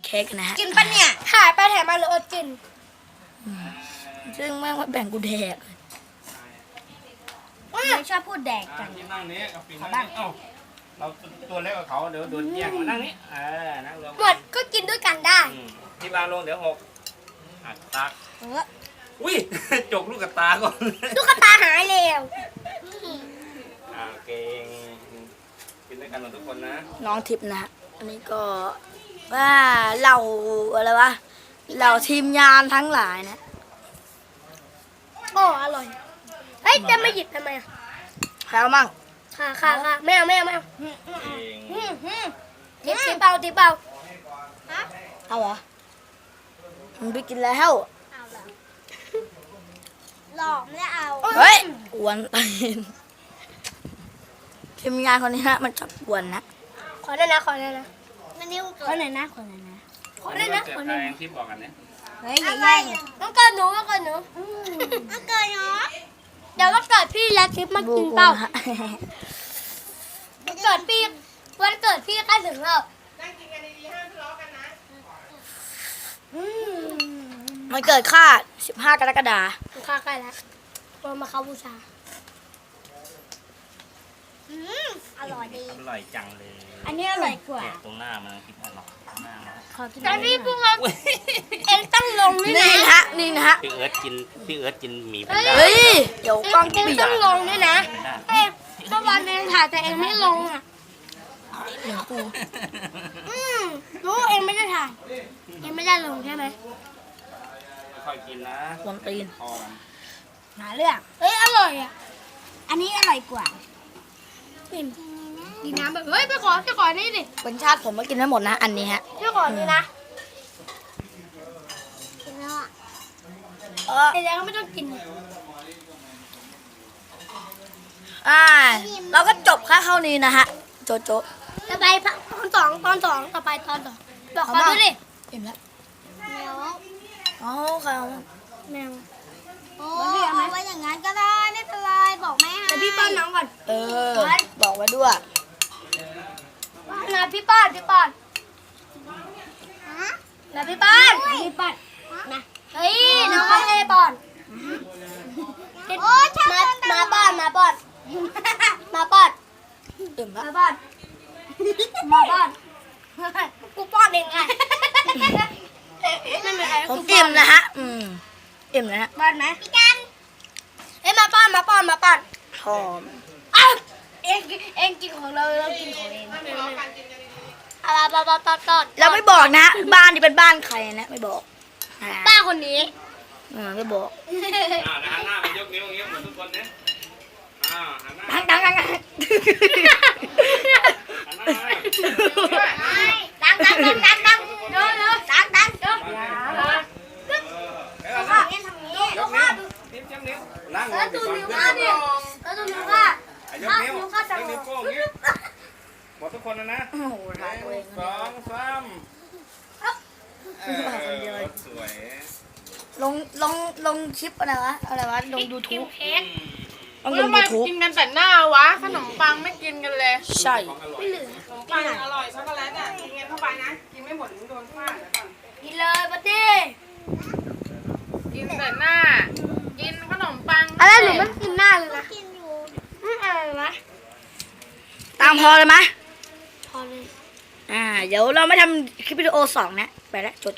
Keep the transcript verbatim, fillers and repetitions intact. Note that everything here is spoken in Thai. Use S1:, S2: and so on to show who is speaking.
S1: เค้กนะฮะ
S2: กินปะเนี่ยหายไปแถมมาหรืออดกิน
S1: ซึ่งแม่งมาแบ่งกูแดก
S2: ไม่ชอบพูดแดก
S3: อ่ะ
S2: กัน
S3: ที่นั่งนี้กับปีนั่งนี้เอ้าเราตัวเล็กกว่าเขาเดี๋ยวโดนแย่งมานั่งนี้เออนั่งลง
S2: หมดก็กินด้วยกันได้
S3: อืมที่บางลงเดี๋ยวหกอ่ะตัก
S2: เออ
S3: อุ้ย จกลูกกับตาก่อน
S2: ลูกตาหายแล้ว
S3: อ่าเก่งกินด้วยกันหมดทุกคนนะ
S1: น้องทิพย์นะฮะอันนี้ก็ว่าเราอะไรวะเราทีมงานทั้งหลายนะ
S2: โอ้อร่อยเฮ้ยจะไม่หยิบทำไมอ่ะ
S1: ใครเอามั่ง
S2: ค่ะค่ะค่ะไม่เอาไม่เอาไม่เอา
S3: เก่ง
S2: อืมอืมทิปทิปเบาทิปเบาฮะ
S1: เอาเหรอมันไปกินแล้ว
S2: เอาเหรอหลอกไม่ได้เอา
S1: เฮ้ยกวนตีนทีมงานคนนี้ฮะมันชอบกวนนะ
S2: ขอได้นะขอได้นะมันนิ้วขอหน่อยนะขอหน่อยนะขอได้นะขอหน่อย
S3: แร
S2: นะ
S3: งที่บอกกันเนี่ย
S2: เฮ้ยอย่าแย่งต้องเกิดหนูต้องเกิดหนูต้องเกิดหนูเดี๋ยววันเกิดพี่แล้วทิปมากินเปล่า
S1: ฮะ
S2: วันเกิดพี่วันเกิดพี่ใกล้ถึงแล้วนั่งกินกันดีๆห้ามทะเลาะกันนะ
S1: มันเกิดค่าสิบห้ากรกฎาคม
S2: อืมข้าใกล้แล้วเรามาเข้าบูชาอืมอร่อยดี
S3: อร่อยจังเลย
S2: อันนี้อร่อยกว่า
S3: แกะตรงหน้ามันคิดอร่อยตรงหน้ามัน
S2: ขอกินแต่พี่พูดว่าเอ็งต้องลงนี่
S1: นี่
S2: นะ
S1: นะฮะนี่นะฮะ
S3: พี่เอิร์ธกินพี่เอิร์ธกินหมี่แพนด้า
S1: เฮ้ยเดี๋ยวกล้อง
S2: เอ็ง
S1: เปีย
S2: ต้
S1: ก
S2: องลงนี่นะเอ็งเมื่อวานเอ็งถ่ายแต่เอ็งไม่ลงอ่ะอืมรู้เอ็งไม่ได้ถ่ายเอ็งไม่ได้ลงใช่ไหม
S3: ค่อยๆกินนะ
S1: กวนตีน
S3: พอมัน
S2: หาเรื่องเฮ้ยอร่อยอ่ะอันนี้อร่อยกว่ากินกินน้ำแบบเฮ้ยไปขอไปขอนี่ดิ
S1: เป็นชาติผมมากินได้หมดนะ อันนี้ฮะ
S2: ไปขอนี่นะกินแล้วอ่ะ
S1: เออ
S2: ไอ้แดงก็ไม่ต้องกิน
S1: อ่าเราก็จบแค่เท่านี้นะฮะโจโจ
S2: ต่อไปตอนสองตอนสองต่อไปตอนสองบอกเขาด้วยดิ
S1: เห็นแล้ว
S2: แมว
S1: อ๋อค่ะ
S2: แมว
S4: โอ้เอาไว้อย่างนั้นก็ได้ไม่เป็นไรบอกแม่ให้
S2: เดี๋ยวพี่ป้อนน้องก่อน
S1: เออ บอกไว้ด้วย
S2: นะพี่ป้อนพี่ป้อน
S4: ฮะ
S2: นะพี่ป้อนพี่ป้อนนะเฮ้ยน้องไม่ได้ป้อน
S4: โอ้ช่าง
S2: มา
S4: มัน
S2: มาป้อนมาป้อนมาป้อน
S1: อิ่มแล้ว
S2: มาป้อนมาป้อนกูป้อนเองไงไม่เป็นไร
S1: ผมอิ่มนะฮะ อืมอิ่มนะฮะ
S2: ป้อนไหมพี่กันเอ้ยมาป้อนมาป้อนมาป้อน
S1: หอม
S2: อ้าวเองเองกินของเราเรากินของเองอะไรป้อนป้อนป้อนป้อน
S1: เราไม่บอกนะ บ้านนี่เป็นบ้านใครนะไม่บอกอ่า
S2: ป้าคนนี้
S1: เออไม่บอก
S3: อ่าหันหน้าไปยกนิ้วอย่างเงี้ยเหมือนทุกคนเนี่ยอ่าหันหน้า
S1: ดังดังดังดัง
S3: หันหน้ามา
S2: ดังดังดังดังดังเร็วเร็วดังดังเร็ว
S3: เดี๋ยว
S2: ข้า
S3: นะ
S2: เงี้ยทำงี้
S3: ยกนิ้วนิ้วจ้ำนิ้วนั่งล
S2: แล้ว
S3: ง
S2: ดู
S3: ก่อน
S2: นิ้ว
S3: เพื่อ
S2: ข้าน ดิ
S3: ก่อน
S2: แล้วดูนิ้วข้า
S3: อ่ะยกนิ้ว
S2: นิ้วข้าย จะ
S3: กนิ้วโป้งอย่างงี้หมดทุกคนนะนะ
S1: โอ้โห
S3: ห
S1: ถ่ายตัวเอ
S3: นึ่
S1: ง
S3: งสองสามเออสวย
S1: ลงลงลงคลิปอะไรวะอะไรวะลงยูทูบ
S2: เค้ก
S1: ลง
S5: แล้ว
S1: ยู
S5: มา
S1: ทูบ
S5: กินกันแต่หน้าวะ ขนมปังไม่กินกันเลย
S1: ใช่
S3: ของอร่อย
S2: ไม่เหลือ
S5: ขนมปังอร่อยช็อกโกแลตอ่ะกินกันเข้าไปนะ กินไม่หมดโดนฟาดแล้วก่อน
S2: กินเลยปาตี้
S5: กินแต่หน้า กินขนมปัง
S2: อะไรหนูมันกินหน้าเลยนะ
S4: กินอยู่
S2: อืมอะไรนะ
S1: ตามพอเลยไหม
S2: พอเลย
S1: อ่า เดี๋ยวเราไม่ทำคลิปวิดีโอสองนะ ไปแล้วจด